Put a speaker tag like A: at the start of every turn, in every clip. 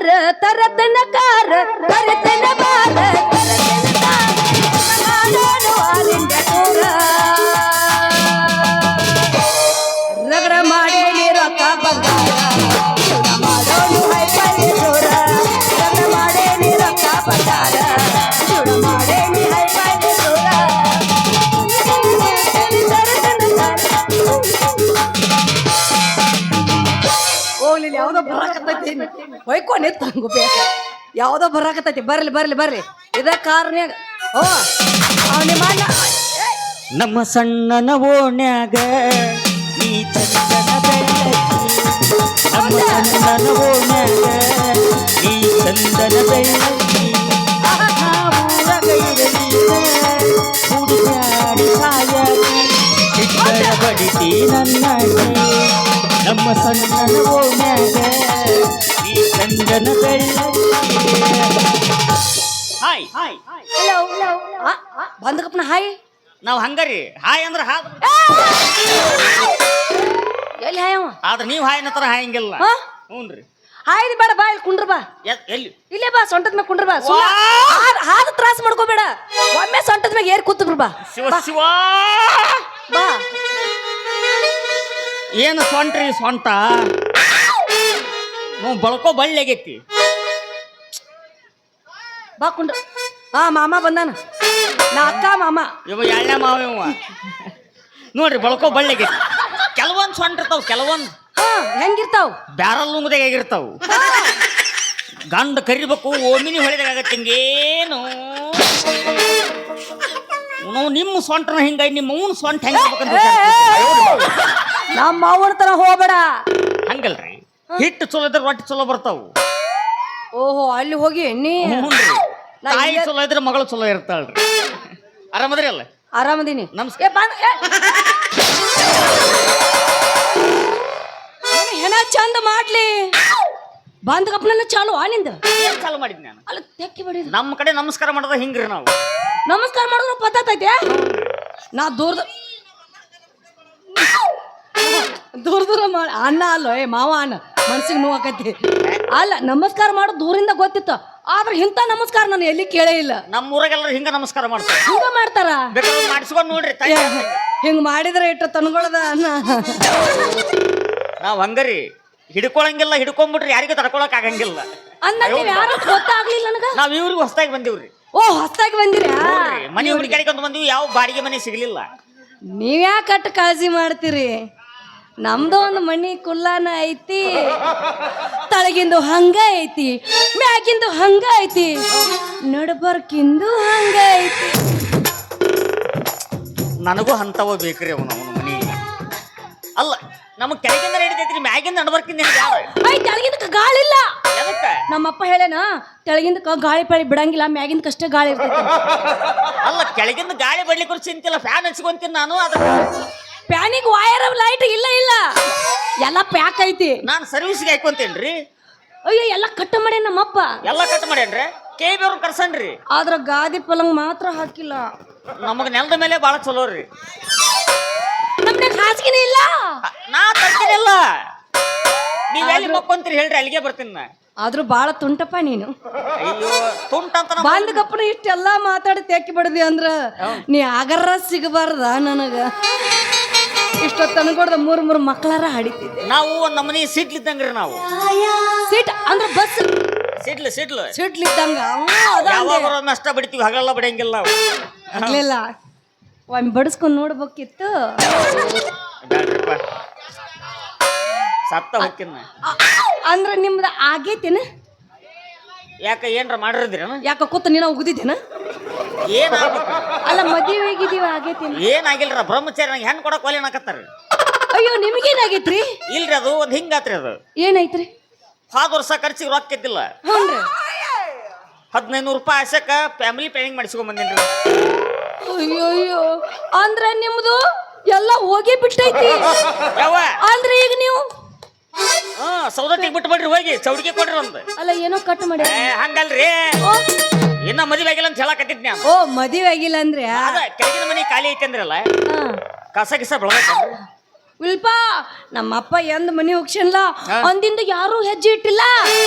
A: ಬಾರ ತರತನ ಕಾರ ತರತನ ಬಾರ ರಗಡ ಮಾಡಿ ರೊಕ್ಕ ಬಂಗಾರ ಮಾಡೋನು ಹೈಪರಿ ಜೋರ ರಗಡ ಮಾಡಿ ರೊಕ್ಕ ಬಂಗಾರ ಮಾಡೇ ನೀ ಹೈಪರಿ ಜೋರ ಹೋಗ್ಲಿ ಯಾವ್ದೋ ಬರಾಕತ್ತೈತಿ ಹೊಯ್ಕೊಂಡೆ ತಂಗು ಬೇಕ ಯಾವ್ದೋ ಬರಾಕತ್ತೈತಿ ಬರ್ಲಿ ಬರ್ಲಿ ಬರ್ಲಿ ಇದ ಕಾರ್ನ್ಯಾಗ ಓ ನಿಮ್ಮ ಅಣ್ಣ
B: ನಮ್ಮ ಸಣ್ಣನ ಓಣ್ಯಾಗ ನೀ ಚಂದನ ಬೆಳ್ಳಕ್ಕಿ ನಮ್ಮ ಸಣ್ಣನ ಓಣ್ಯಾಗ ನೀ ಚಂದನ ಬೆಳ್ಳಕ್ಕಿ ಊರಗ ಇರಲಿಲ್ಲ ಹುಡುಗಾಡಿ ಸಾಯಕಿ ಚಿಕ್ಕನ ಬಡಿತಿ ನನ್ನಗೆ ನಮ್ಮ ಸಣ್ಣನ ಓಣ್ಯಾಗ ನೀ ಚಂದನ ಬೆಳ್ಳಕ್ಕಿ ಹಾಯ್ ಹಾಯ್
A: ಹಲೋ ಬಂದಕಪ್ಪನ ಹಾಯ್
B: ನಾವ್ ಹಂಗರಿ ಹಾಯ್ ಅಂದ್ರ ಹಾದ್
A: ಎಲ್ಲಿ ಹಾಯವ
B: ಆದ್ರ ನೀವ್ ಹಾಯ್ ಅನ್ನತರ ಹಾಯಂಗಿಲ್ಲ ಹ್ಞೂನ್ರಿ
A: ಹಾಯ್ದು ಬೇಡ ಬಾ ಇಲ್ಲಿ ಕುಂಡ್ರ ಬಾ
B: ಎಲ್ಲಿ
A: ಇಲ್ಲೇ ಬಾ ಸೊಂಟದ ಮ್ಯಾಗ ಕುಂಡ್ರ ಬಾ ಹಾದ ತ್ರಾಸ ಮಾಡ್ಕೋಬೇಡ ಒಮ್ಮೆ ಸೊಂಟದ ಮ್ಯಾಗ ಏರ್ ಕೂತ್ ಬಾ
B: ಶಿವ ಶಿವ
A: ಬಾ
B: ಏನು ಸೊಂಟ್ರಿ ಸೊಂಟ ನಾವು ಬಳಕೋ ಬಳ್ಳಿ ಆಗೈತಿ
A: ಬಾ ಕುಂಡ್ರ ಹಾ ಮಾಮ ಬಂದಾನ ನಾ ಅಕ್ಕ ಮಾಮ
B: ಇವ ಎಳ್ಳೆ ಮಾವ ಇವ ನೋಡ್ರಿ ಬಳಕೋ ಬಳ್ಳಿ ಆಗೈತಿ ಕೆಲವೊಂದು ಸೊಂಟ ಇರ್ತಾವ ಕೆಲವೊಂದು
A: ಹಾ ಹೆಂಗಿರ್ತಾವ್
B: ಬ್ಯಾರಲ್ ನುಂಗದಾಗ ಆಗಿರ್ತಾವ ಗಂಡ ಕರಿಬೇಕು ಓಮಿನಿ ಹೊಳಿದಾಗ ಆಗತ್ತೆ ಹಿಂಗೇನು ನಾವು ನಿಮ್ಮ ಸೊಂಟನ ಹಿಂಗಾಗಿ ನಿಮ್ಮ ಅವನ ಸೊಂಟ ಹೆಂಗ
A: ನಮ್ಮ ಮಾವನ ತರ ಹೋಗ್ಬೇಡ
B: ಹಂಗಲ್ರಿ ಹಿಟ್ಟು ಚಲೋ ಇದ್ರೆ ರೊಟ್ಟಿ ಚಲೋ ಬರ್ತಾವು
A: ಓಹೋ ಅಲ್ಲಿ ಹೋಗಿ ನೀ
B: ತಾಯಿ ಚಲೋ ಇದ್ರೆ ಮಗಳು ಚಲೋ ಇರ್ತಾಳ್ರಿ ಆರಾಮದ್ರಿ ಅಲ್ಲ
A: ಆರಾಮದೀನಿ
B: ನಮಸ್ಕಾರ
A: ಹೆಣ ಚಂದ ಮಾಡ್ಲಿ ಬಂದ ಕಪ್ಪನ ಚಾಲು ಆನಿಂದ
B: ಏನ್ ಚಾಲು ಮಾಡಿದ್ನಿ ನಾನು
A: ಅಲ್ಲ ತೆಕ್ಕಿ ಬಡಿದ
B: ನಮ್ಮ ಕಡೆ ನಮಸ್ಕಾರ ಮಾಡೋದ ಹಿಂಗ್ರಿ ನಾವು
A: ನಮಸ್ಕಾರ ಮಾಡಿದ್ರು ಪತ್ತೈತೆ ನಾ ದೂರ ಮಾಡಿ ಅಣ್ಣ ಅಲ್ಲ ಏ ಮಾವ ಅಣ್ಣ ಮನ್ಸಿಗೆ ನೋವು ಆಕತಿ ಅಲ್ಲ ನಮಸ್ಕಾರ ಮಾಡೋದು ದೂರಿಂದ ಗೊತ್ತಿತ್ತು ಆದ್ರೆ ಇಂಥ ನಮಸ್ಕಾರ ನಾನು ಎಲ್ಲಿ ಕೇಳೇ ಇಲ್ಲ
B: ನಮ್ಮ ಊರಾಗೆಲ್ಲರೂ ಹಿಂಗ ನಮಸ್ಕಾರ ಮಾಡ್ತಾರೆ
A: ಹಿಂಗ ಮಾಡ್ತಾರ
B: ಬೇಕಾದ್ರೆ ಮಾಡಿಸ್ಕೊಂಡು ನೋಡ್ರಿ ತಾಯಿ
A: ಹಿಂಗ ಮಾಡಿದ್ರೆ ಇಟ್ಟು ತನ್ಗೊಳದ ಅನ್ನ
B: ನಾವ್ ಹಂಗರಿ ಹಿಡ್ಕೊಳಂಗಿಲ್ಲ ಹಿಡ್ಕೊಂಡ್ಬಿಟ್ರಿ ಯಾರಿಗೂ ತಡ್ಕೊಳಕ್ ಆಗಂಗಿಲ್ಲ
A: ಅಂದ ಯಾರು ಗೊತ್ತಾಗ್ಲಿಲ್ಲ ನನಗ
B: ನಾವ್ ಇವ್ರಿಗೆ ಹೊಸದಾಗಿ ಬಂದಿವ್ರಿ
A: ಓ ಹೊಸ್ತಾಗಿ ಬಂದಿರಾ
B: ಮನೆ ಹುಡುಕಾಡಿಕೊಂಡ್ ಬಂದಿವಿ ಯಾವ ಬಾಡಿಗೆ ಮನೆ ಸಿಗ್ಲಿಲ್ಲ
A: ನೀವ್ಯಾಕೆ ಕಟ್ಟು ಕಾಳಜಿ ಮಾಡ್ತೀರಿ ನಮ್ದು ಒಂದು ಮನಿ ಕುಲ್ಲಾನ ಐತಿ ತಳಗಿಂದು ಹಂಗ ಐತಿ ಮ್ಯಾಗಿಂದು ಹಂಗ ಐತಿ ನಡಬರ್ಕಿಂದು ಹಂಗ ಐತಿ
B: ನನಗೂ ಅಂತವ ಬೇಕ್ರಿ ಅವನು ಮನಿ ಅಲ್ಲ ನಮಗ್ ಕೆಳಗಿಂದ ನಡೀತೈತ್ರಿ ಮ್ಯಾಗಿಂದ ನಡ್ಬರ್ಕಿಂದ
A: ಐ ತೆಳಗಿಂದಕ್ಕೆ ಗಾಳಿ ಇಲ್ಲ
B: ಎದಕ್ಕ
A: ನಮ್ಮಪ್ಪ ಹೇಳೇನ ತೆಳಗಿಂದಕ್ಕೆ ಗಾಳಿ ಪಾಳಿ ಬಿಡಂಗಿಲ್ಲ ಮ್ಯಾಗಿಂದಕ್ಕಷ್ಟೇ ಗಾಳಿ ಇರ್ತೈತಿ
B: ಅಲ್ಲ ಕೆಳಗಿಂದ ಗಾಳಿ ಬಡ್ಲಿಕ್ಕೆ ಚಿಂತಿಲ್ಲ ಫ್ಯಾನ್ ಹಚ್ಕೊಂತೀನಿ ನಾನು ಅದ್ರ
A: ಪ್ಯಾನಿಗೆ ವೈರ್ ಲೈಟ್ ಇಲ್ಲ ಇಲ್ಲ ಎಲ್ಲ ಪ್ಯಾಕ್ ಐತಿ
B: ನಾನು ಸರ್ವಿಸ್ಗೆ ಹಾಕೊಂತೇನ್ರಿ
A: ಅಯ್ಯೋ ಎಲ್ಲ ಕಟ್ಟ ಮಾಡಿ ನಮ್ಮಪ್ಪ
B: ಎಲ್ಲ ಕಟ್ ಮಾಡ್ಯಾನ್ರಿ KB ಅವ್ರನ್ನ ಕರ್ಸನ್ರಿ
A: ಆದ್ರ ಗಾದಿ ಪಲಂಗ್ ಮಾತ್ರ ಹಾಕಿಲ್ಲ
B: ನಮಗ್ ನೆಲದ ಮೇಲೆ ಬಾಳ ಚಲೋ ರೀ
A: ನಮ್ಗೆ ಹಾಸಿಗೆನೇ ಇಲ್ಲ
B: ನಾ ತರ್ತೀನಿಲ್ಲ ನೀವ್ ಎಲ್ಲಿ ಮಕ್ಕೊಂತೀರಿ ಹೇಳ್ರಿ ಅಲ್ಲಿಗೆ ಬರ್ತೀನಿ ನಾ
A: ಆದ್ರೂ ಬಾಳ ತುಂಟಪ್ಪ ನೀನು
B: ಅಯ್ಯೋ ತುಂಟ ಅಂತ
A: ಬಂದ ಗಪ್ಪನ ಇಷ್ಟೆಲ್ಲ ಮಾತಾಡಿ ತೆಕ್ಕಿ ಬಿಡದಿ ಅಂದ್ರ ನೀ ಆಗರ ಸಿಗಬಾರ್ದ ನನಗ ಇಷ್ಟೊತ್ತು ಅನ್ಕೊಡ್ದ ಮೂರ್ ಮಕ್ಕಳಾರ ಹಡಿತಿದ್ದೆ
B: ನಾವು ಒಂದ್ ನಮ್ಮನಿ ಸಿಡ್ಲಿದ್ದಂಗ್ರಿ ನಾವು
A: ಸೀಟ್ ಅಂದ್ರ ಬಸ್
B: ಸಿಡ್ಲು
A: ಸಿಡ್ಲಿದ್ದಂಗ
B: ಯಾವಾಗ ಅಷ್ಟ ಬಿಡ್ತೀವಿ ಹಗಲೆಲ್ಲ ಬಿಡಂಗಿಲ್ಲ ನಾವು
A: ಆಗ್ಲಿಲ್ಲ ಒಮ್ಮೆ ಬಡಿಸ್ಕೊಂಡ್ ನೋಡ್ಬೇಕಿತ್ತು
B: ಬ್ಯಾಡ್ರಿಪ್ಪ ಸತ್ತ ಹೊಕ್ಕಿನ
A: ಅಂದ್ರ ನಿಮ್ದ ಆಗೇತೇನ
B: ಯಾಕ ಏನ್ರ ಮಾಡಿರಿದ್ರೇನ
A: ಯಾಕ ಕೂತ ನೀನ ಉಗ್ದಿದ್ದೇನ
B: ಏನ್
A: ಅಲ್ಲ ಮದುವೆ ಆಗಿದೀವ ಆಗೇತೇನ
B: ಏನಾಗಿಲ್ರ ಬ್ರಹ್ಮಚಾರಿ ನಂಗೆ ಹೆಣ್ ಕೊಡಕ್ ಒಲೆ ಹಾಕತ್ತಾರ
A: ಅಯ್ಯೋ ನಿಮಗೇನಾಗೈತ್ರಿ
B: ಇಲ್ರಿ ಅದು ಒಂದ್ ಹಿಂಗಾತ್ರಿ ಅದು
A: ಏನೈತ್ರಿ
B: ಹೋದ ವರ್ಷ ಖರ್ಚಿಗೆ ರೊಕ್ಕ ಇದ್ದಿಲ್ಲ
A: ಹ್ಞೂನ್ರಿ
B: 1500 ರೂಪಾಯಿ ಆಸಕ ಫ್ಯಾಮಿಲಿ ಪ್ಲಾನಿಂಗ್ ಮಾಡಿಸ್ಕೊಂಡ್ ಬಂದೇನ್ರಿ
A: ಅಯ್ಯೋ ಅಂದ್ರ ನಿಮ್ದು ಎಲ್ಲ ಹೋಗಿ ಬಿಟ್ಟೈತಿ
B: ಯಾವ
A: ಅಂದ್ರೆ ಈಗ ನೀವು
B: ಸೌದತ್ತಿಗೆ ಬಿಟ್ಟು ಬಿಡ್ರಿ ಹೋಗಿ ಚೌಡಿಗೆ ಕೊಡ್ರಿ ಒಂದು
A: ಅಲ್ಲ ಏನೋ ಕಟ್ ಮಾಡಿ
B: ಹಂಗಲ್ರಿ ಇನ್ನ ಮದುವೆ ಆಗಿಲ್ಲ ಅಂತ ಹೇಳಕತ್ತಿದ್ನಿ ನಾನು
A: ಓ ಮದುವೆ ಆಗಿಲ್ಲ ಅಂದ್ರೆ
B: ಅದ ಕೆಳಗಿನ ಮನೆ ಖಾಲಿ ಐತಿ ಅಂದ್ರಲ್ಲ ಕಸ ಗಿಸ ಬೆಳಗತ್ತೇನ್ರಿ
A: ವಿಲ್ಪ ನಮ್ಮಪ್ಪ ಎಂದ್ ಮನಿ ಹೋಗ್ಸನ್ಲ ಅಂದಿಂದ ಯಾರು ಹೆಜ್ಜೆ ಇಟ್ಟಿಲ್ಲ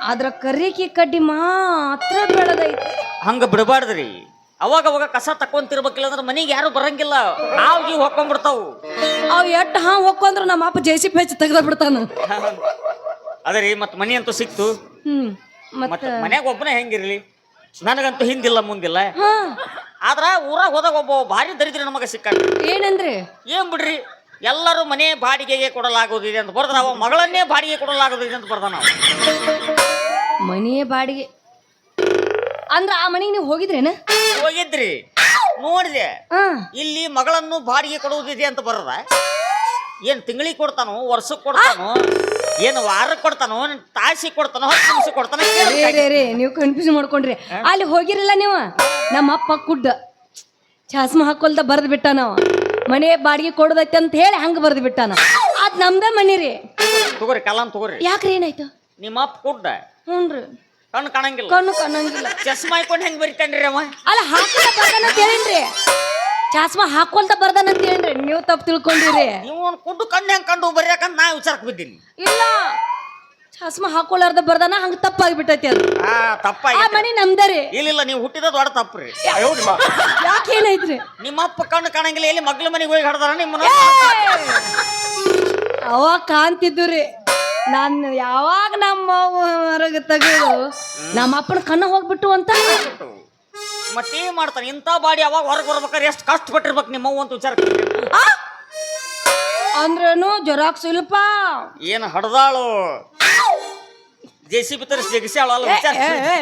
A: ಆದ್ರ ಕರಿಕಿ ಕಡ್ಡಿ ಮಾತ್ರ ಬೆಳೆದೈತಿ.
B: ಹಂಗ ಬಿಡಬಾರ್ದ್ರಿ. ಅವಾಗ ಅವಾಗ ಕಸ ತಕೊಂತಿರ್ಬೇಕಿಲ್ಲ ಅಂದ್ರೆ ಮನೆಗೆ ಯಾರು ಬರಂಗಿಲ್ಲ. ಹಾವಿಗೆ ಹೊಕ್ಕೊಂಡ್ಬಿಡ್ತಾವು.
A: ಅವ್ ಎಟ್ಟು ಹೊಕ್ಕೊಂದ್ರ ನಮ್ಮ ಅಪ್ಪ ಜೆಸಿಪಿ ಹೆಚ್ಚು ತೆಗ್ದ ಬಿಡ್ತಾನ.
B: ಅದೇ ರೀ, ಮತ್ ಮನಿ ಅಂತೂ ಸಿಕ್ತು.
A: ಮತ್ತ
B: ಮನ್ಯಾಗ ಒಬ್ಬನೇ ಹೆಂಗಿರ್ಲಿ, ನನಗಂತೂ ಹಿಂದಿಲ್ಲ ಮುಂದಿಲ್ಲ.
A: ಹಾ
B: ಆದ್ರ ಊರಾಗ ಹೋದಾಗ ಒಬ್ಬ ಭಾರಿ ದರಿದ್ರ ನಮಗ ಸಿಕ್ಕ.
A: ಏನಂದ್ರೆ
B: ಏನ್ ಬಿಡ್ರಿ, ಎಲ್ಲರೂ ಮನೆ ಬಾಡಿಗೆಗೆ ಕೊಡಲಾಗುವುದಿದೆ ಅಂತ ಬರ್ದ, ಅವ ಮಗಳನ್ನೇ ಬಾಡಿಗೆ ಕೊಡಲಾಗುವುದಿದೆ ಅಂತ ಬರ್ದ. ನಾವು
A: ಮನೆಯ ಬಾಡಿಗೆ ಅಂದ್ರ ಆ ಮನೆಗೆ ನೀವು ಹೋಗಿದ್ರೇನ?
B: ಹೋಗಿದ್ರಿ, ನೋಡಿದೆ.
A: ಹಾ
B: ಇಲ್ಲಿ ಮಗಳನ್ನು ಬಾಡಿಗೆ ಕೊಡುವುದಿದೆ ಅಂತ ಬರದ. ಏನ್ ತಿಂಗಳಿಗೆ ಕೊಡ್ತಾನೋ, ವರ್ಷಕ್ಕೆ ಕೊಡ್ತಾನೋ, ಏನು ವಾರಕ್ಕೆ ಕೊಡ್ತಾನೋ, ತಾಸಿಗೆ ಕೊಡ್ತಾನೋ, 10 ನಿಮಿಷಕ್ಕೆ ಕೊಡ್ತಾನೋ?
A: ರೇ ನೀವು ಕನ್ಫ್ಯೂಸ್ ಮಾಡ್ಕೊಂಡ್ರಿ. ಅಲ್ಲಿ ಹೋಗಿರಲ್ಲ ನೀವು. ನಮ್ಮ ಅಪ್ಪ ಕುಡ್ಡ ಚಾಸ್ಮ ಹಾಕೊಲ್ದ ಬರ್ದ್ ಬಿಟ್ಟ. ನಾವು ಮನೆ ಬಾಡಿಗೆ ಕೊಡದೈತೆ ಅಂತ ಹೇಳಿ ಹಂಗ ಬರ್ದ್ ಬಿಟ್ಟಾನ. ಅದ್ ನಮ್ದ ಮನಿ ರೀ.
B: ತಗೋರಿ, ಕಲಾಂ ತಗೋರಿ.
A: ಯಾಕ್ರಿ ಏನಾಯ್ತು?
B: ನಿಮ್ಮ ಅಪ್ಪ ಕುಡ್ಡ,
A: ಹ್ಞೂನ್ರಿ.
B: ಕಣ್ಣು ಕಾಣಂಗಿಲ್ಲ,
A: ಕಣ್ಣು ಕಾಣಂಗಿಲ್ಲ.
B: ಚಸ್ಮಾ ಹಾಕೊಂಡು ಹೆಂಗ್ ಬರಿತಾನ್ರಿ ಅವ?
A: ಅಲ್ಲ ಹಾಕೊಲ್ದ ಬರ್ದಾನ ಅಂತ ಹೇಳಿನ್ರಿ. ಚಾಸ್ಮ ಹಾಕೊಲ್ದ ಬರ್ದಾನ ಅಂತ ಹೇಳ್ರಿ. ನೀವು ತಪ್ಪು ತಿಳ್ಕೊಂಡಿರಿ.
B: ನೀವು ಕುಡ್ಡು ಕಣ್ಣು ಹೆಂಗ್ ಕಂಡು ಬರಿಯಾಕಂತ ನಾ ವಿಚಾರಕ್ಕೆ ಬಿದ್ದೀನಿ.
A: ಇಲ್ಲ, ಚಾಸ್ಮ ಹಾಕೊಲಾರ್ದ ಬರ್ದಾನ, ಹಂಗ ತಪ್ಪಾಗ್ಬಿಟ್ಟೈತಿ ಅದು.
B: ತಪ್ಪಾಗಿ
A: ಆ ಮನಿ ನಮ್ದರಿ.
B: ಇಲ್ಲ, ನೀವು ಹುಟ್ಟಿದ ದೊಡ್ಡ ತಪ್ಪ್ರಿ.
A: ಯಾಕೆ ಏನಾಯ್ತ್ರಿ?
B: ನಿಮ್ಮ ಅಪ್ಪ ಕಣ್ಣು ಕಾಣಂಗಿಲ್ಲ, ಎಲ್ಲಿ ಮಗ್ಳ ಮನೆಗೆ ಹೋಗಿ ಹಡ್ದಾರ ನಿಮ್ಮನ್ನ?
A: ಅವಾಗ ಕಾಣ್ತಿದ್ದು ರೀ. ನಾನು ಯಾವಾಗ ನಮ್ಮ ಹೊರಗೆ ತೆಗೆದು ನಮ್ಮ ಅಪ್ಪನ ಕಣ್ಣ ಹೋಗ್ಬಿಟ್ಟು ಅಂತ.
B: ಮತ್ತೇನ್ ಮಾಡ್ತಾನೆ ಇಂಥ ಬಾಡಿ? ಅವಾಗ ಹೊರಗೆ ಬರ್ಬೇಕಾದ್ರೆ ಎಷ್ಟು ಕಷ್ಟಪಟ್ಟಿರ್ಬೇಕು ನಿಮ್ಮವ್ವ ಅಂತ ವಿಚಾರ.
A: ಅಂದ್ರೇನು ಜೊರಾಕ್ ಶಿಲ್ಪ
B: ಏನು ಹಡ್ದಾಳು, JCB ತರಿಸಿ ಜಗಿಸ್ಯಾಳ ಅಲ್ಲ ವಿಚಾರ.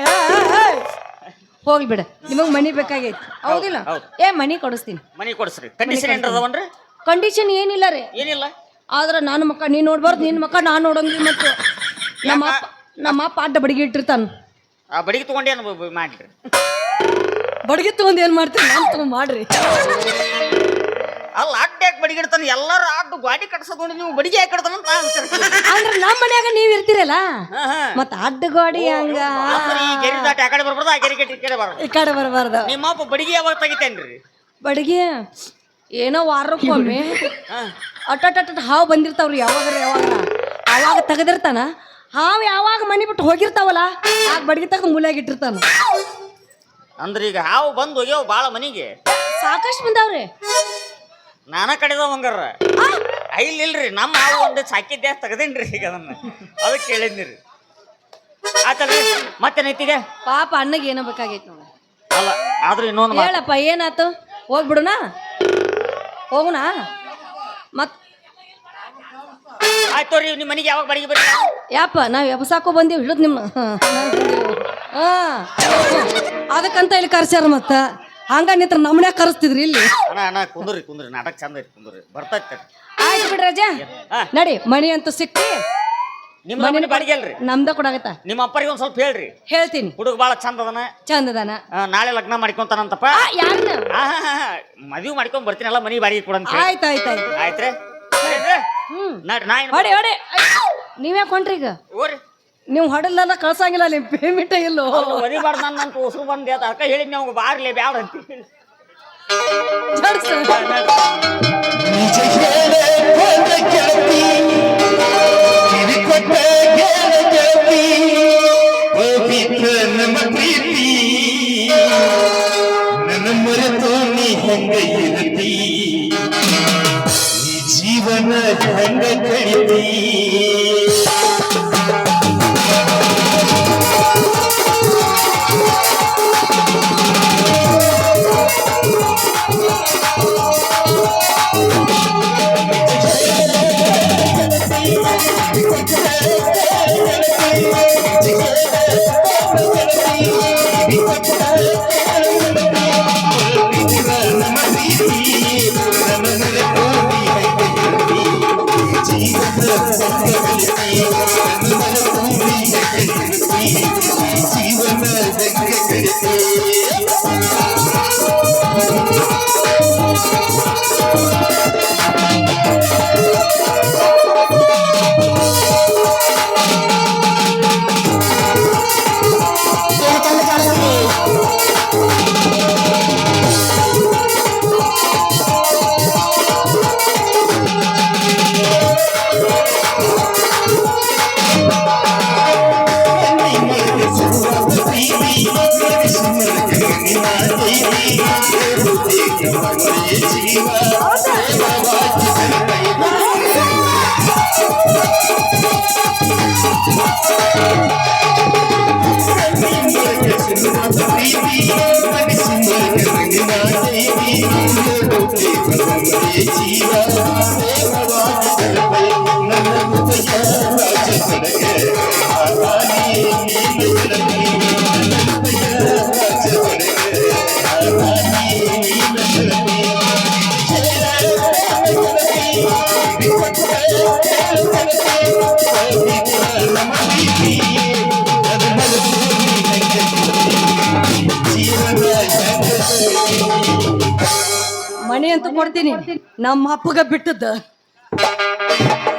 A: ಹೋಗ್ಲಿ ಬಿಡ, ನಿಮಗ್ ಮನಿ ಬೇಕಾಗೈತಿ ಹೌದಿಲ್ಲ? ಮನಿ ಕೊಡಿಸ್ತೀನಿ.
B: ಮನಿ ಕೊಡಿಸ್ರಿ. ಕಂಡೀಷನ್ ಏನ್ ಅದಾವನ್ರಿ?
A: ಕಂಡೀಷನ್ ಏನಿಲ್ಲ ರೀ.
B: ಏನಿಲ್ಲ.
A: ಆದ್ರ ನಾನು ಮಕ್ಕ ನೀನ್ ನೋಡ್ಬಾರ್ದು, ನಿನ್ ಮಕ್ಕ ನಾನ್ ನೋಡಂಗಿಲ್ಲ. ಮತ್ತು ನಮ್ಮ ಅಪ್ಪ ಅಡ್ಡ ಬಡಿಗೆ ಇಟ್ಟಿರ್ತಾನ.
B: ಆ ಬಡಿಗೆ ತಗೊಂಡೇನು ಮಾಡ್ರಿ?
A: ಬಡಿಗೆ ತಗೊಂಡ್ ಏನ್ ಮಾಡ್ತೀನಿ? ನಾನು ತಗೊಂಡ್ ಮಾಡ್ರಿ.
B: ಅಲ್ಲ, ಅಡ್ಡ ಯಾಕೆ ಬಡಿಗೆ ಇಡ್ತಾನೆ? ಎಲ್ಲಾರು ಅಡ್ಡು ಗಾಡಿ ಕಟ್ಸೋದು ನೋಡಿ, ನೀವು ಬಡಿಗೆ ಯಾಕೆ ಇಡ್ತಾನ ಅಂತ
A: ಅಂದ್ರೆ ನಮ್ಮ ಮನ್ಯಾಗ ನೀವ್ ಇರ್ತೀರಲ್ಲ, ಮತ್ತ ಅಡ್ಡ ಗಾಡಿ ಹಂಗ
B: ಈ ಗೆರಿ ದಾಟಿ ಆ ಕಡೆ ಬರ್ಬಾರ್ದು, ಆ ಗೆರಿ ಕಟ್ಟಿ ಈ ಕಡೆ ಬರ್ಬಾರ್ದು.
A: ಈ ಕಡೆ ಬರಬಾರ್ದು.
B: ನಿಮ್ಮ ಅಪ್ಪ ಬಡಿಗೆ ಯಾವಾಗ ತೆಗಿತೇನ್ರಿ?
A: ಬಡಿಗೆ ಏನೋ ವಾರಕ್ಕೊಮ್ಮೆ ಅಟ್ಟ ಹಾವು ಬಂದಿರ್ತಾವ್ರಿ. ಅವಾಗ ತೆಗೆದಿರ್ತಾನ. ಹಾವು ಯಾವಾಗ ಮನಿ ಬಿಟ್ಟು ಹೋಗಿರ್ತಾವಲ್ಲ, ಆಗ ಬಡಿಗೆ ತಗ ಮೂಲೆಯಾಗ ಇಟ್ಟಿರ್ತಾನ.
B: ಅಂದ್ರೆ ಈಗ ಹಾವು ಬಂದು ಹೋಗ್ಯಾವ ಬಾಳ ಮನಿಗೆ
A: ಸಾಕಷ್ಟು ಬಂದಾವ್ರಿ.
B: ನಾನ ಕಡೆದವ ಹಂಗಾರ ಇಲ್ರಿ, ನಮ್ಮ ಹಾವು ಒಂದು ಸಾಕಿದ್ದೆ ತೆಗದೇನ್ರಿ. ಈಗ ಅದನ್ನ ಅದಕ್ಕೆ ಕೇಳಿದ್ನಿರಿ. ಆತಲ್ರಿ, ಮತ್ತೇನೈತಿಗ?
A: ಪಾಪ ಅಣ್ಣಗೆ ಏನೋ ಬೇಕಾಗೈತಿ ನೋಡ.
B: ಅಲ್ಲ, ಆದ್ರೂ ಇನ್ನೊಂದು
A: ಹೇಳಪ್ಪ, ಏನಾತು? ಹೋಗ್ಬಿಡುನಾ? ಹೋಗುನಾ? ಮತ್
B: ಆಯ್ತು ರೀ. ನಿಮ್ಮ ಮನೆಗೆ ಯಾವಾಗ ಬಾಡಿಗೆ ಬರ್ರಿ?
A: ಯಾಪ ನಾವ್ ಎಬ್ಸಾಕೋ ಬಂದೀವಿ, ಹಿಡಿದ್ ನಿಮ್ಮ. ಅದಕ್ಕಂತ ಇಲ್ಲಿ ಕರ್ಸ್ಯಾರ. ಮತ್ತ ಹಂಗ ನಿತ್ರ ನಮ್ಮನ್ಯಾಗ ಕರೆಸ್ತಿದ್ರಿ ಇಲ್ಲಿ.
B: ಅಣ್ಣ ಕುಂದ್ರಿ ನಾಟಕ ಚಂದ ಐತಿ, ಕುಂದ್ರಿ ಬರ್ತೈತೆ.
A: ಆಯ್ತು ಬಿಡ್ರಿ ರಜ, ನಡಿ. ಮಣಿ ಅಂತೂ ಸಿಕ್ತಿ.
B: ನಿಮ್ಮ ಮನೆ ಬಾಡಿಗೆ ಅಲ್ರಿ?
A: ನಮ್ದ ಕೊಡಾಗತ್ತ.
B: ನಿಮ್ಮ ಅಪ್ಪರಿಗೆ ಒಂದ್ ಸ್ವಲ್ಪ ಹೇಳ್ರಿ.
A: ಹೇಳ್ತೀನಿ.
B: ಹುಡುಗ ಬಾಳ ಚಂದದನ. ನಾಳೆ ಲಗ್ನ ಮಾಡ್ಕೊಂತಾನಂತಪ್ಪ.
A: ಯಾರನ್ನ?
B: ಮದ್ವಿ ಮಾಡ್ಕೊಂಡ್ ಬರ್ತೀನಲ್ಲ, ಮನಿ ಬಾಡಿಗೆ ಕೊಡಂತ.
A: ಆಯ್ತಾಯ್ತು.
B: ಆಯ್ತ್ರಿ.
A: ಹೊಡಿ ಹೊಡಿ. ನೀವೇ ಕೊಂಡ್ರಿ ಈಗ? ನೀವು ಹೊಡಲ್ಲ ಕಳ್ಸಂಗಿಲ್ಲ. ನಿಮ್ ಪೇಮೆಂಟ್ ಇಲ್ಲೋ
B: ಒದಿಬಾರ್ದು ನನ್ನ ಉಸಿರು ಬಂದೆ. ಅದಕ್ಕ ಹೇಳಿದ್ ನಾವು ಬಾರ್ಲಿ ಬ್ಯಾಡ ಅಂತ.
C: ಜೀವನ ಹೆಂಗ ಕಳಿತಿ
A: ಮನೆ ಅಂತೂ ಕೊಡ್ತೀನಿ ನಮ್ಮ ಅಪ್ಪಗ ಬಿಟ್ಟದ್ದು